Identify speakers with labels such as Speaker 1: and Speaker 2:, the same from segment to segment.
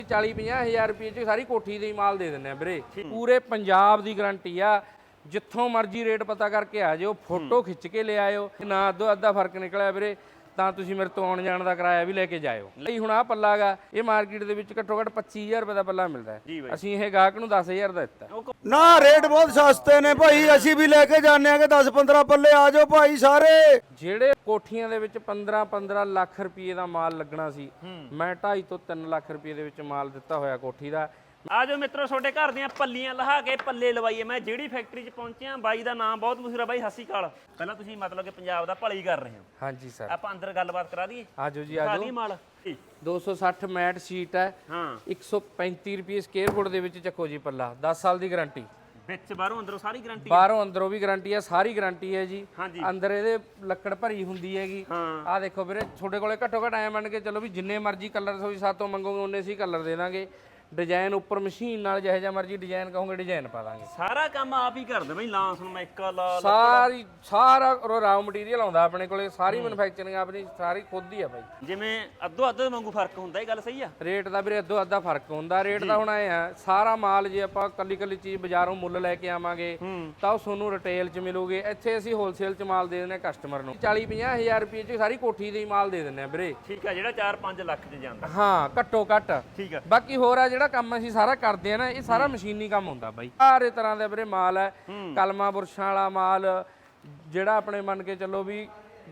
Speaker 1: 40-50 ਹਜ਼ਾਰ ਰੁਪਏ 'ਚ ਸਾਰੀ ਕੋਠੀ ਦੇ ਹੀ ਮਾਲ ਦੇ ਦਿੰਦੇ ਆ ਵੀਰੇ। ਪੂਰੇ ਪੰਜਾਬ ਦੀ ਗਾਰੰਟੀ ਆ। ਜਿੱਥੋਂ ਮਰਜ਼ੀ ਰੇਟ ਪਤਾ ਕਰਕੇ ਆ ਜਾਓ, ਫੋਟੋ ਖਿੱਚ ਕੇ ਲੈ ਆਇਓ। ਨਾ ਅੱਧੋ ਅੱਧਾ ਫਰਕ ਨਿਕਲਿਆ ਵੀਰੇ ਤਾਂ ਤੁਸੀਂ ਮੇਰੇ ਤੋਂ ਆਉਣ ਜਾਣ ਦਾ ਕਿਰਾਇਆ ਵੀ ਲੈ ਕੇ ਜਾਇਓ। ਲਈ ਹੁਣ ਆਹ ਪੱਲਾ ਗਾ, ਇਹ ਮਾਰਕੀਟ ਦੇ ਵਿੱਚ ਘੱਟੋ ਘੱਟ 25000 ਰੁਪਏ ਦਾ ਪੱਲਾ ਮਿਲਦਾ ਹੈ। ਅਸੀਂ ਇਹ ਗਾਹਕ ਨੂੰ 10000 ਦਾ ਦਿੱਤਾ।
Speaker 2: ਨਾ ਰੇਟ ਬਹੁਤ ਸਸਤੇ ਨੇ ਭਾਈ, ਅਸੀਂ ਵੀ ਲੈ ਕੇ ਜਾਂਦੇ ਆ ਕਿ 10-15 ਪੱਲੇ ਆ ਜਾਓ ਭਾਈ ਸਾਰੇ।
Speaker 1: ਜਿਹੜੇ ਕੋਠੀਆਂ ਦੇ ਵਿੱਚ 15-15 ਲੱਖ ਰੁਪਏ ਦਾ ਮਾਲ ਲੱਗਣਾ ਸੀ, ਮੈਂ 2.5 ਤੋਂ 3 ਲੱਖ ਰੁਪਏ ਦੇ ਵਿੱਚ ਮਾਲ ਦਿੱਤਾ ਹੋਇਆ ਕੋਠੀ ਦਾ।
Speaker 3: ਆ ਜਾਓ ਮਿੱਤਰੋ, ਤੁਹਾਡੇ ਘਰ ਦੀਆਂ ਪੱਲੀਆਂ ਲਹਾ ਕੇ ਪੱਲੇ ਲਵਾਈਏ। ਮੈਂ ਜਿਹੜੀ ਫੈਕਟਰੀ 'ਚ ਪਹੁੰਚਿਆ, ਬਾਈ ਦਾ ਨਾਮ ਬਹੁਤ ਮਸ਼ਹੂਰ ਆ ਬਾਈ। ਸਤਿ ਸ਼੍ਰੀ ਅਕਾਲ। ਪਹਿਲਾਂ ਤੁਸੀਂ ਮਤਲਬ ਕਿ ਪੰਜਾਬ ਦਾ ਭਲਾ ਹੀ ਕਰ ਰਹੇ ਹੋ।
Speaker 1: ਹਾਂਜੀ ਸਰ,
Speaker 3: ਆਪਾਂ ਅੰਦਰ ਗੱਲਬਾਤ ਕਰਾ ਦਈਏ।
Speaker 1: ਆਜੋ ਜੀ ਆਜੋ।
Speaker 3: ਮਾਲ
Speaker 1: 260 ਮੈਟ ਸ਼ੀਟ ਹੈ।
Speaker 3: ਹਾਂ,
Speaker 1: 135 ਰੁਪਏ ਸਕੁਅਰ ਫੁੱਟ ਦੇ ਵਿੱਚ ਚੱਕੋ ਜੀ ਪੱਲਾ। 10 ਸਾਲ ਦੀ ਗਾਰੰਟੀ,
Speaker 3: ਵਿੱਚ ਬਾਹਰੋਂ ਅੰਦਰੋਂ ਸਾਰੀ ਗਾਰੰਟੀ।
Speaker 1: ਬਾਹਰੋਂ ਅੰਦਰੋਂ ਵੀ ਗਾਰੰਟੀ ਹੈ, ਸਾਰੀ ਗਾਰੰਟੀ ਹੈ ਜੀ।
Speaker 3: ਹਾਂਜੀ।
Speaker 1: ਅੰਦਰ ਇਹਦੇ ਲੱਕੜ ਭਰੀ ਹੁੰਦੀ ਹੈਗੀ। ਆਹ ਦੇਖੋ ਵੀਰੇ, ਤੁਹਾਡੇ ਕੋਲੇ ਘੱਟੋ ਘੱਟ ਐ ਮੰਨ ਕੇ ਚਲੋ ਵੀ ਜਿੰਨੇ ਮਰਜ਼ੀ ਕਲਰ ਤੁਸੀਂ ਸਾਤੋਂ ਮੰਗੋਗੇ ਉਹਨੇ ਸੀ ਕਲਰ ਦੇ ਦਾਂਗੇ। ਡਿਜ਼ਾਈਨ ਉੱਪਰ ਮਸ਼ੀਨ ਨਾਲ ਜਿਹੋ ਜਿਹਾ ਮਰਜ਼ੀ ਡਿਜ਼ਾਈਨ ਕਹੋਗੇ ਡਿਜ਼ਾਈਨ ਪਾ ਦਾਂਗੇ।
Speaker 3: ਸਾਰਾ ਕੰਮ ਆਪ ਹੀ ਕਰਦੇ ਬਈ। ਲਾਂਸ ਨੂੰ ਮੈਕਾ ਲਾ
Speaker 1: ਸਾਰਾ ਰਾਅ ਮਟੀਰੀਅਲ ਆਉਂਦਾ ਆਪਣੇ ਕੋਲੇ। ਸਾਰੀ ਮੈਨੂਫੈਕਚਰਿੰਗ ਆਪਣੀ ਸਾਰੀ ਖੁਦ ਹੀ ਆ ਬਾਈ।
Speaker 3: ਜਿਵੇਂ ਅੱਧੋ ਅੱਧ ਵਾਂਗੂ ਫਰਕ ਹੁੰਦਾ, ਇਹ ਗੱਲ ਸਹੀ ਆ।
Speaker 1: ਰੇਟ ਦਾ ਵੀਰੇ ਅੱਧੋ ਅੱਧਾ ਫਰਕ ਹੁੰਦਾ। ਰੇਟ ਦਾ ਹੁਣ ਐ ਆ, ਸਾਰਾ ਮਾਲ ਜੇ ਆਪਾਂ ਕੱਲੀ ਕੱਲੀ ਚੀਜ਼ ਬਾਜ਼ਾਰੋਂ ਮੁੱਲ ਲੈ ਕੇ ਆਵਾਂਗੇ ਤਾਂ ਉਹ ਤੁਹਾਨੂੰ ਰਿਟੇਲ 'ਚ ਮਿਲੂਗੇ। ਇੱਥੇ ਅਸੀਂ ਹੋਲਸੇਲ 'ਚ ਮਾਲ ਦੇ ਦਿੰਦੇ ਆ ਕਸਟਮਰ ਨੂੰ। 40-50 ਹਜ਼ਾਰ ਰੁਪਏ 'ਚ ਸਾਰੀ ਕੋਠੀ ਦੇ ਹੀ ਮਾਲ ਦੇ ਦਿੰਦੇ ਆ ਵੀਰੇ।
Speaker 3: ਠੀਕ ਆ, ਜਿਹੜਾ 4-5 ਲੱਖ 'ਚ ਜਾਂਦਾ।
Speaker 1: ਹਾਂ, ਘੱਟੋ ਘੱਟ।
Speaker 3: ਠੀਕ ਆ।
Speaker 1: ਬਾਕੀ ਹੋਰ ਆ ਜਿਹੜਾ ਕੰਮ ਅਸੀਂ ਸਾਰਾ ਕਰਦੇ ਆ ਨਾ, ਇਹ ਸਾਰਾ ਮਸ਼ੀਨੀ ਕੰਮ ਹੁੰਦਾ ਬਾਈ। ਸਾਰੇ ਤਰ੍ਹਾਂ ਦੇ ਵੀਰੇ ਮਾਲ ਹੈ। ਕਲਮਾਂ ਬੁਰਸ਼ਾਂ ਵਾਲਾ ਮਾਲ ਜਿਹੜਾ ਆਪਣੇ ਮੰਨ ਕੇ ਚੱਲੋ ਵੀ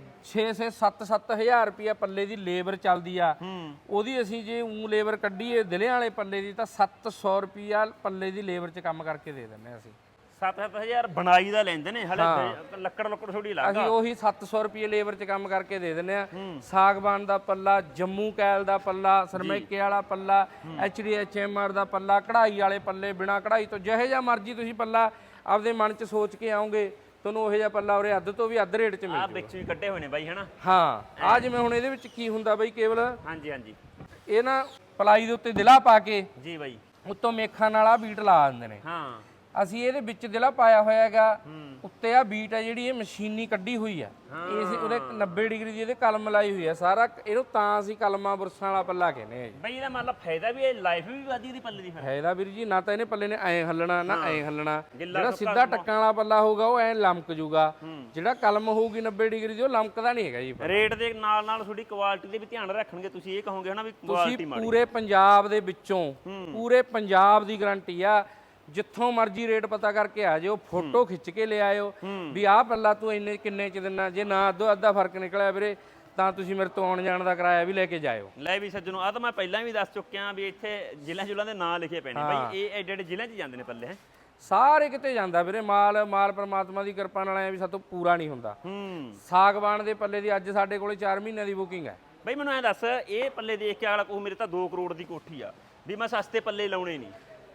Speaker 1: 6-7 ਹਜ਼ਾਰ ਰੁਪਇਆ ਪੱਲੇ ਦੀ ਲੇਬਰ ਚੱਲਦੀ ਆ। ਉਹਦੀ ਅਸੀਂ ਜੇ ਲੇਬਰ ਕੱਢੀਏ ਦਿਲਿਆਂ ਵਾਲੇ ਪੱਲੇ ਦੀ ਤਾਂ 700 ਰੁਪਇਆ ਪੱਲੇ ਦੀ ਲੇਬਰ 'ਚ ਕੰਮ ਕਰਕੇ ਦੇ ਦਿੰਦੇ ਅਸੀਂ।
Speaker 3: 7-7000 ਬਣਾਈ ਦਾ ਲੈਂਦੇ ਨੇ ਹਲੇ। ਲੱਕੜ ਥੋੜੀ ਲੱਗਦਾ।
Speaker 1: ਅਸੀਂ ਉਹੀ 700 ਰੁਪਏ ਲੇਬਰ 'ਚ ਕੰਮ ਕਰਕੇ ਦੇ ਦਿੰਦੇ ਆ। ਸਾਗਵਾਨ ਦਾ ਪੱਲਾ, ਜੰਮੂ ਕੈਲ ਦਾ ਪੱਲਾ, ਸਰਮੈਕੇ ਵਾਲਾ ਪੱਲਾ, HDHMR ਦਾ ਪੱਲਾ, ਕਢਾਈ ਵਾਲੇ ਪੱਲੇ, ਬਿਨਾ ਕਢਾਈ ਤੋਂ ਜਿਹੇ ਜਿਹਾ ਮਰਜ਼ੀ ਤੁਸੀਂ ਪੱਲਾ ਆਪਦੇ ਮਨ 'ਚ ਸੋਚ ਕੇ ਆਓਗੇ, ਤੁਹਾਨੂੰ ਉਹੋ ਜਿਹਾ ਪੱਲਾ ਉਰੇ ਅੱਧ ਤੋਂ ਵੀ ਅੱਧ ਰੇਟ 'ਚ ਮਿਲ ਜਾਊਗਾ।
Speaker 3: ਵਿੱਚ ਵੀ ਕੱਢੇ ਹੋਏ ਨੇ ਬਾਈ, ਹਨਾ।
Speaker 1: ਹਾਂ, ਆ ਜਿਵੇਂ ਹੁਣ ਇਹਦੇ ਵਿੱਚ ਕੀ ਹੁੰਦਾ ਬਾਈ ਕੇਵਲ,
Speaker 3: ਹਾਂਜੀ ਹਾਂਜੀ,
Speaker 1: ਇਹ ਨਾ ਪਲਾਈ ਦੇ ਉੱਤੇ ਦਿਲਾ ਪਾ ਕੇ
Speaker 3: ਜੀ ਬਾਈ,
Speaker 1: ਉੱਤੋਂ ਮੇਖਾਂ ਨਾਲ ਆ ਬੀਟ ਲਾ ਦਿੰਦੇ ਨੇ।
Speaker 3: ਹਾਂ,
Speaker 1: ਅਸੀਂ ਇਹਦੇ ਵਿੱਚ ਦਿਲਾ ਪਾਇਆ ਹੋਇਆ ਹੈਗਾ। ਉੱਤੇ ਆ ਬੀਟ ਹੈ ਜਿਹੜੀ ਇਹ ਮਸ਼ੀਨੀ ਕੱਢੀ ਹੋਈ ਆ। ਇਸ ਉਹਦੇ 90 ਡਿਗਰੀ ਦੀ ਇਹਦੇ ਕਲਮ ਲਾਈ ਹੋਈ ਆ। ਸਾਰਾ ਇਹਨੂੰ ਤਾਂ ਅਸੀਂ ਕਲਮਾਂ ਬੁਰਸਾਂ ਵਾਲਾ ਪੱਲਾ ਕਹਿੰਦੇ ਆ ਜੀ।
Speaker 3: ਬਈ ਇਹਦਾ ਮਤਲਬ ਫਾਇਦਾ ਵੀ, ਇਹ ਲਾਈਫ ਵੀ ਵਧਦੀ ਦੀ ਪੱਲੇ ਦੀ।
Speaker 1: ਫਾਇਦਾ ਵੀਰ ਜੀ, ਨਾ ਤਾਂ ਇਹਨੇ ਪੱਲੇ ਨੇ ਐਂ ਹੱਲਣਾ ਨਾ ਐਂ ਹੱਲਣਾ। ਜਿਹੜਾ ਸਿੱਧਾ ਟੱਕਾਂ ਵਾਲਾ ਪੱਲਾ ਹੋਊਗਾ ਉਹ ਐਂ ਲਮਕ ਜੂਗਾ। ਜਿਹੜਾ ਕਲਮ ਹੋਊਗੀ 90 ਡਿਗਰੀ ਦੀ ਉਹ ਲਮਕਦਾ ਨਹੀਂ ਹੈਗਾ ਜੀ।
Speaker 3: ਰੇਟ ਦੇ ਨਾਲ ਨਾਲ ਤੁਹਾਡੀ ਕੁਆਲਿਟੀ ਦੇ ਵੀ ਧਿਆਨ ਰੱਖਣਗੇ। ਤੁਸੀਂ ਇਹ ਕਹੋਗੇ ਹਨਾ ਵੀ ਕੁਆਲਿਟੀ ਮਾੜੀ।
Speaker 1: ਪੂਰੇ ਪੰਜਾਬ ਦੇ ਵਿੱਚੋਂ ਪੂਰੇ ਪੰਜਾਬ ਦੀ ਗਾਰੰਟੀ ਆ। ਜਿੱਥੋਂ ਮਰਜ਼ੀ ਰੇਟ ਪਤਾ ਕਰਕੇ ਆ ਜਾਓ, ਫੋਟੋ ਖਿੱਚ ਕੇ ਲੈ ਆਇਓ ਵੀ ਆਹ ਪੱਲਾ ਤੂੰ ਇੰਨੇ ਕਿੰਨੇ 'ਚ ਦਿੰਨਾ। ਜੇ ਨਾ ਅੱਧੋ ਅੱਧਾ ਫਰਕ ਨਿਕਲਿਆ ਵੀਰੇ ਤਾਂ ਤੁਸੀਂ ਮੇਰੇ ਤੋਂ ਆਉਣ ਜਾਣ ਦਾ ਕਿਰਾਇਆ ਵੀ ਲੈ ਕੇ ਜਾਇਓ।
Speaker 3: ਲੈ ਵੀ ਸੱਜਣੋ, ਆ ਤਾਂ ਮੈਂ ਪਹਿਲਾਂ ਵੀ ਦੱਸ ਚੁੱਕਿਆ ਵੀ ਇੱਥੇ ਜ਼ਿਲ੍ਹਿਆਂ ਜੁਲਾਂ ਦੇ ਨਾਂ ਲਿਖੇ ਪਏ ਨੇ ਬਾਈ। ਇਹ ਐਡੇ ਐਡੇ ਜ਼ਿਲ੍ਹਿਆਂ 'ਚ ਜਾਂਦੇ ਨੇ ਪੱਲੇ। ਹੈ
Speaker 1: ਸਾਰੇ ਕਿਤੇ ਜਾਂਦਾ ਵੀਰੇ ਮਾਲ ਪਰਮਾਤਮਾ ਦੀ ਕਿਰਪਾ ਨਾਲ ਐ ਵੀ ਸਾਤੋਂ ਪੂਰਾ ਨਹੀਂ ਹੁੰਦਾ। ਸਾਗਵਾਨ ਦੇ ਪੱਲੇ ਦੀ ਅੱਜ ਸਾਡੇ ਕੋਲੇ 4 ਮਹੀਨਿਆਂ ਦੀ ਬੁਕਿੰਗ ਹੈ।
Speaker 3: ਬਈ ਮੈਨੂੰ ਐਂ ਦੱਸ, ਇਹ ਪੱਲੇ ਦੇਖ ਕੇ ਅਗਲਾ ਕਹੂ ਮੇਰੇ ਤਾਂ 2 ਕਰੋੜ ਦੀ ਕੋਠੀ ਆ, ਵੀ ਮੈਂ ਸਸਤੇ ਪੱਲੇ ਲਾਉਣੇ ਨਹੀਂ।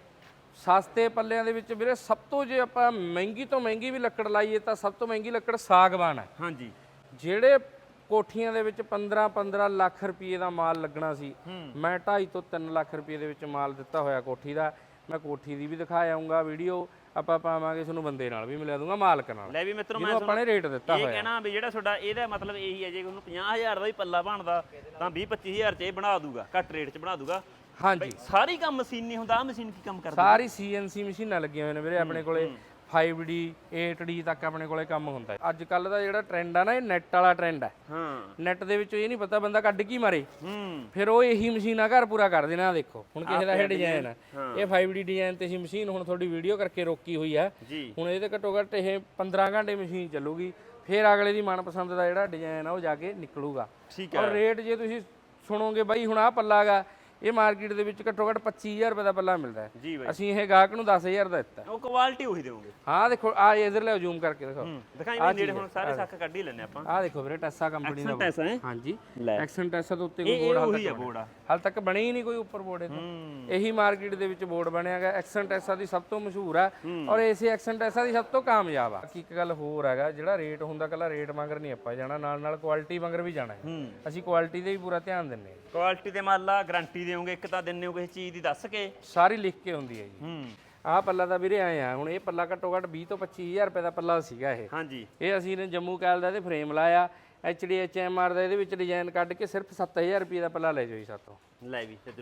Speaker 1: ਸਸਤੇ ਪੱਲਿਆਂ ਦੇ ਵਿੱਚ ਵੀਰੇ ਸਭ ਤੋਂ ਜੇ ਆਪਾਂ ਮਹਿੰਗੀ ਤੋਂ ਮਹਿੰਗੀ ਵੀ ਲੱਕੜ ਲਾਈਏ ਤਾਂ ਸਭ ਤੋਂ ਮਹਿੰਗੀ ਲੱਕੜ ਸਾਗਵਾਨ ਹੈ।
Speaker 3: ਹਾਂਜੀ,
Speaker 1: ਜਿਹੜੇ ਕੋਠੀਆਂ ਦੇ ਵਿੱਚ 15-15 ਲੱਖ ਰੁਪਏ ਦਾ ਮਾਲ ਲੱਗਣਾ ਸੀ, ਮੈਂ 2.5 ਤੋਂ 3 ਲੱਖ ਰੁਪਏ ਦੇ ਵਿੱਚ ਮਾਲ ਦਿੱਤਾ ਹੋਇਆ ਕੋਠੀ ਦਾ। ਮੈਂ ਕੋਠੀ ਦੀ ਵੀ ਦਿਖਾ ਆਉਂਗਾ ਵੀਡੀਓ, ਆਪਾਂ ਪਾਵਾਂਗੇ ਤੁਹਾਨੂੰ ਬੰਦੇ ਨਾਲ ਵੀ ਮਿਲਾ ਦੂੰਗਾ, ਮਾਲਕ ਨਾਲ।
Speaker 3: ਲੈ ਵੀ ਮਿੱਤਰੋ, ਮੈਂ
Speaker 1: ਆਪਾਂ ਨੇ ਰੇਟ ਦਿੱਤਾ ਹੋਇਆ।
Speaker 3: ਇਹ ਕਹਿਣਾ ਵੀ ਜਿਹੜਾ ਤੁਹਾਡਾ ਇਹਦਾ ਮਤਲਬ ਇਹੀ ਹੈ, ਜੇ ਉਹਨੂੰ 50000 ਦਾ ਵੀ ਪੱਲਾ ਬਣਦਾ ਤਾਂ 20-25000 'ਚ ਇਹ ਬਣਾ ਦੂਗਾ, ਘੱਟ ਰੇਟ 'ਚ ਬਣਾ ਦੂਗਾ।
Speaker 1: ਹਾਂਜੀ,
Speaker 3: ਸਾਰੀ ਕੰਮ ਮਸ਼ੀਨੀ ਹੁੰਦਾ। ਆ ਮਸ਼ੀਨ ਕੀ ਕੰਮ ਕਰਦੀ?
Speaker 1: ਸਾਰੀ CNC ਮਸ਼ੀਨਾਂ ਲੱਗੀਆਂ ਹੋਈਆਂ ਨੇ ਵੀਰੇ ਆਪਣੇ ਕੋਲੇ। 5D 8D ਤੱਕ ਆਪਣੇ ਕੋਲੇ ਕੰਮ ਹੁੰਦਾ ਹੈ। ਅੱਜ ਕੱਲ ਦਾ ਜਿਹੜਾ ਟ੍ਰੈਂਡ ਆ ਨਾ, ਇਹ ਨੈਟ ਵਾਲਾ ਟ੍ਰੈਂਡ ਹੈ। ਨੈਟ ਦੇ ਵਿੱਚ ਇਹ ਨਹੀਂ ਪਤਾ ਬੰਦਾ ਕੱਢ ਕੀ ਮਾਰੇ, ਫਿਰ ਉਹ ਇਹੀ ਮਸ਼ੀਨਾਂ ਘਰ ਪੂਰਾ ਕਰ ਦੇਣਾ। ਦੇਖੋ ਹੁਣ ਕਿਸੇ ਦਾ ਇਹ ਡਿਜ਼ਾਈਨ ਹੈ, ਇਹ 5D ਡਿਜ਼ਾਈਨ ਤੇ ਅਸੀਂ ਮਸ਼ੀਨ ਹੁਣ ਤੁਹਾਡੀ ਵੀਡੀਓ ਕਰਕੇ ਰੋਕੀ ਹੋਈ ਹੈ। ਹੁਣ ਇਹਦੇ ਘੱਟੋ ਘੱਟ ਇਹ 15 ਘੰਟੇ ਮਸ਼ੀਨ ਚੱਲੂਗੀ, ਫਿਰ ਅਗਲੇ ਦੀ ਮਨਪਸੰਦ ਦਾ ਜਿਹੜਾ ਡਿਜ਼ਾਈਨ ਆ ਉਹ ਜਾ ਕੇ ਨਿਕਲੂਗਾ। ਔਰ ਰੇਟ ਜੇ ਤੁਸੀਂ ਸੁਣੋਗੇ ਬਾਈ, ਹੁਣ ਆਹ ਪੱਲਾ ਗਾ, ਇਹ ਮਾਰਕੀਟ ਦੇ ਵਿੱਚ ਘੱਟੋ ਘੱਟ 25000 ਰੁਪਏ ਦਾ ਪੱਲਾ ਮਿਲਦਾ ਹੈ। ਅਸੀਂ ਇਹ ਗਾਹਕ ਨੂੰ 10000 ਦਾ ਦਿੱਤਾ।
Speaker 3: ਉਹ ਕੁਆਲਿਟੀ ਉਹੀ ਦੇਵੋਗੇ।
Speaker 1: ਹਾਂ ਦੇਖੋ, ਆ ਇਧਰ ਲਿਆਓ, ਜ਼ੂਮ ਕਰਕੇ ਦਿਖਾਓ।
Speaker 3: ਦਿਖਾਈ ਵੀ ਨੇੜੇ, ਹੁਣ ਸਾਰੇ ਸੱਕ ਕੱਢ ਹੀ ਲੈਣੇ ਆਪਾਂ।
Speaker 1: ਆ ਦੇਖੋ ਵੀਰੇ, ਟੈਸਾ ਕੰਪਨੀ ਦਾ।
Speaker 3: ਟੈਸਾ ਹੈ?
Speaker 1: ਹਾਂਜੀ, ਐਕਸਨ ਟੈਸਾ ਦੇ ਉੱਤੇ ਕੋਈ ਬੋਰਡ ਹਾਲ ਤੱਕ ਬਣੇ ਹੀ ਨਹੀਂ ਕੋਈ ਉੱਪਰ ਬੋਰਡ ਇਹਦਾ। ਇਹੀ ਮਾਰਕੀਟ ਦੇ ਵਿੱਚ ਬੋਰਡ ਬਣਿਆ ਹੈਗਾ। ਐਕਸਨ ਟੈਸਾ ਦੀ ਸਭ ਤੋਂ ਮਸ਼ਹੂਰ ਹੈ ਔਰ ਇਸੇ ਐਕਸਨ ਟੈਸਾ ਦੀ ਸਭ ਤੋਂ ਕਾਮਯਾਬ ਆ। ਇੱਕ ਗੱਲ ਹੋਰ ਹੈਗਾ, ਜਿਹੜਾ ਰੇਟ ਹੁੰਦਾ ਕੱਲਾ ਰੇਟ ਮੰਗਰ ਨਹੀਂ ਆਪਾਂ ਜਾਣਾ, ਨਾਲ ਨਾਲ ਕੁਆਲਿਟੀ ਮੰਗਰ ਵੀ ਜਾਣਾ ਹੈ। ਅਸੀਂ ਕੁਆਲਿਟੀ ਦੇ ਵੀ ਪੂਰਾ ਧਿਆਨ ਦਿੰਦੇ ਹਾਂ।
Speaker 3: ਕੁਆਲਿਟੀ ਤੇ ਮੰਨ ਲਾ ਗਾਰੰਟੀ ਦੇਵੋਗੇ, ਇੱਕ ਤਾਂ ਦਿੰਨੇ ਹੋ ਕਿਸੇ ਚੀਜ਼ ਦੀ ਦੱਸ ਕੇ,
Speaker 1: ਸਾਰੀ ਲਿਖ ਕੇ ਹੁੰਦੀ ਹੈ ਜੀ। ਆਹ ਪੱਲਾ ਤਾਂ ਵੀਰੇ ਆਏ ਆ, ਹੁਣ ਇਹ ਪੱਲਾ ਘੱਟੋ ਘੱਟ 20 ਤੋਂ 25000 ਰੁਪਏ ਦਾ ਪੱਲਾ ਸੀਗਾ ਇਹ।
Speaker 3: ਹਾਂਜੀ,
Speaker 1: ਇਹ ਅਸੀਂ ਨੇ ਜੰਮੂ ਕੈਲ ਦਾ ਇਹਦੇ ਫਰੇਮ ਲਾਇਆ, HDHMR ਦਾ ਇਹਦੇ ਵਿੱਚ ਡਿਜ਼ਾਈਨ ਕੱਢ ਕੇ ਸਿਰਫ 7000 ਰੁਪਏ ਦਾ ਪੱਲਾ ਲੈ ਜਾਓ ਜੀ ਸਾਤੋਂ।
Speaker 3: ਲੈ ਵੀ ਸੱਜਣੋ,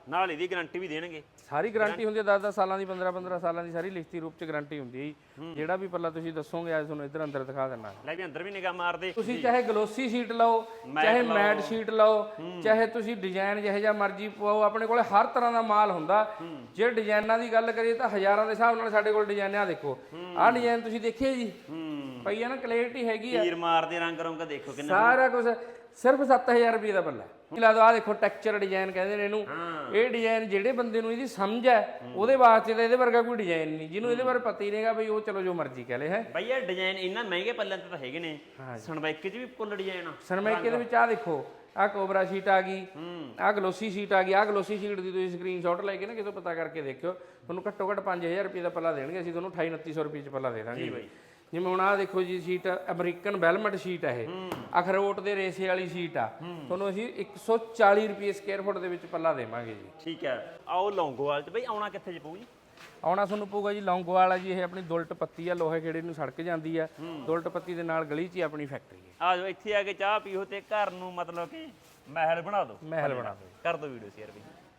Speaker 3: ਨਾਲ ਇਹਦੀ ਗਾਰੰਟੀ ਵੀ ਦੇਣਗੇ।
Speaker 1: ਸਾਰੀ ਗਾਰੰਟੀ ਹੁੰਦੀ ਹੈ 10-10 ਸਾਲਾਂ ਦੀ 15-15 ਸਾਲਾਂ ਦੀ ਸਾਰੀ ਲਿਖਤੀ ਰੂਪ ਚ ਗਾਰੰਟੀ ਹੁੰਦੀ ਹੈ ਜੀ। ਜਿਹੜਾ ਵੀ ਪੱਲਾ ਤੁਸੀਂ ਦੱਸੋਗੇ ਅੱਜ ਤੁਹਾਨੂੰ ਇੱਧਰ ਅੰਦਰ ਦਿਖਾ ਦਿੰਨਾ।
Speaker 3: ਲੈ ਵੀ ਅੰਦਰ ਵੀ ਨਿਗਾਹ ਮਾਰਦੇ।
Speaker 1: ਤੁਸੀਂ ਚਾਹੇ ਗਲੋਸੀ ਸ਼ੀਟ ਲਓ, ਚਾਹੇ ਮੈਟ ਸ਼ੀਟ ਲਓ, ਚਾਹੇ ਤੁਸੀਂ ਡਿਜ਼ਾਈਨ ਜਿਹੋ ਜਿਹਾ ਮਰਜ਼ੀ ਪਵਾਓ, ਆਪਣੇ ਕੋਲੇ ਹਰ ਤਰ੍ਹਾਂ ਦਾ ਮਾਲ ਹੁੰਦਾ। ਜੇ ਡਿਜ਼ਾਈਨਾਂ ਦੀ ਗੱਲ ਕਰੀਏ ਤਾਂ ਹਜ਼ਾਰਾਂ ਦੇ ਹਿਸਾਬ ਨਾਲ ਸਾਡੇ ਕੋਲ ਡਿਜ਼ਾਈਨ ਆ। ਦੇਖੋ ਆਹ ਡਿਜ਼ਾਈਨ ਤੁਸੀਂ ਦੇਖਿਆ ਜੀ, ਪਈ ਆ ਨਾ, ਕਲੈਰਿਟੀ ਹੈਗੀ ਆ।
Speaker 3: ਤੀਰ ਮਾਰਦੇ ਰੰਗ ਰੰਗ ਦੇਖੋ ਕਿੰਨਾ
Speaker 1: ਸਾਰਾ ਕੁਝ ਸਿਰਫ 7000 ਰੁਪਏ ਦਾ ਪੱਲਾ। ਲਾ ਦੋ, ਆ ਦੇਖੋ ਟੈਕਸਚਰ ਡਿਜ਼ਾਈਨ ਕਹਿੰਦੇ ਨੇ ਇਹਨੂੰ। ਇਹ ਡਿਜ਼ਾਈਨ ਜਿਹੜੇ ਬੰਦੇ ਨੂੰ ਇਹਦੀ ਸਮਝ ਹੈ ਉਹਦੇ ਵਾਸਤੇ ਤਾਂ ਇਹਦੇ ਵਰਗਾ ਕੋਈ ਡਿਜ਼ਾਈਨ ਨਹੀਂ। ਜਿਹਨੂੰ ਇਹਦੇ ਬਾਰੇ ਪਤਾ ਹੀ ਨਹੀਂਗਾ ਬਈ ਉਹ ਚਲੋ ਜੋ ਮਰਜ਼ੀ ਕਹਿ ਲੇ ਹੈ।
Speaker 3: ਬਈ ਇਹ ਡਿਜ਼ਾਈਨ ਇੰਨਾ ਮਹਿੰਗੇ ਪੱਲਿਆਂ ਤੇ ਤਾਂ ਹੈਗੇ ਨੇ। ਸਨਮਾਈਕੇ 'ਚ ਵੀ ਫੁੱਲ ਡਿਜ਼ਾਈਨ ਆ।
Speaker 1: ਸਨਮਾਈਕੇ ਦੇ ਵਿੱਚ ਆ ਦੇਖੋ, ਆਹ ਕੋਬਰਾ ਸ਼ੀਟ ਆ ਗਈ, ਆਹ ਗਲੋਸੀ ਸ਼ੀਟ ਆ ਗਈ। ਆਹ ਗਲੋਸੀ ਸ਼ੀਟ ਦੀ ਤੁਸੀਂ ਸਕਰੀਨਸ਼ਾਟ ਲੈ ਕੇ ਨਾ ਕਿਤੋਂ ਪਤਾ ਕਰਕੇ ਦੇਖਿਓ, ਤੁਹਾਨੂੰ ਘੱਟੋ ਘੱਟ 5000 ਰੁਪਏ ਦਾ ਪੱਲਾ ਦੇਣਗੇ। ਅਸੀਂ ਤੁਹਾਨੂੰ 2800 ਰੁਪਏ ਚ ਪੱਲਾ ਦੇ ਦਾਂਗੇ ਬਾਈ। ਜਿਵੇਂ ਹੁਣ ਆਹ ਦੇਖੋ ਜੀ ਸ਼ੀਟ, ਅਮਰੀਕਨ ਵੈਲਮਟ ਸ਼ੀਟ ਆ ਇਹ, ਅਖਰੋਟ ਦੇ ਰੇਸੇ ਵਾਲੀ ਸ਼ੀਟ ਆ। ਤੁਹਾਨੂੰ ਅਸੀਂ 140 ਰੁਪਏ ਸਕੁਅਰ ਫੁੱਟ ਦੇ ਵਿੱਚ ਪੱਲਾ ਦੇਵਾਂਗੇ ਜੀ।
Speaker 3: ਠੀਕ ਹੈ। ਆਓ ਲੌਂਗੋਵਾਲ 'ਚ ਬਈ ਆਉਣਾ ਕਿੱਥੇ ਜੇ ਪਊ ਜੀ?
Speaker 1: ਆਉਣਾ ਤੁਹਾਨੂੰ ਪਊਗਾ ਜੀ ਲੌਂਗੋਵਾਲ ਆ ਜੀ। ਇਹ ਆਪਣੀ ਦੁਲਟ ਪੱਤੀ ਆ, ਲੋਹੇ ਖੇੜੇ ਨੂੰ ਸੜਕ ਜਾਂਦੀ ਆ। ਦੁਲਟ ਪੱਤੀ ਦੇ ਨਾਲ ਗਲੀ 'ਚ ਹੀ ਆਪਣੀ ਫੈਕਟਰੀ ਹੈ।
Speaker 3: ਆ ਜਾਓ ਇੱਥੇ ਆ ਕੇ ਚਾਹ ਪੀਓ ਤੇ ਘਰ ਨੂੰ ਮਤਲਬ ਕਿ ਮਹਿਲ ਬਣਾ ਦਿਓ।
Speaker 1: ਮਹਿਲ ਬਣਾ ਦਿਓ।
Speaker 3: ਕਰ ਦਿਓ ਵੀਡੀਓ ਸ਼ੇਅਰ ਵੀ।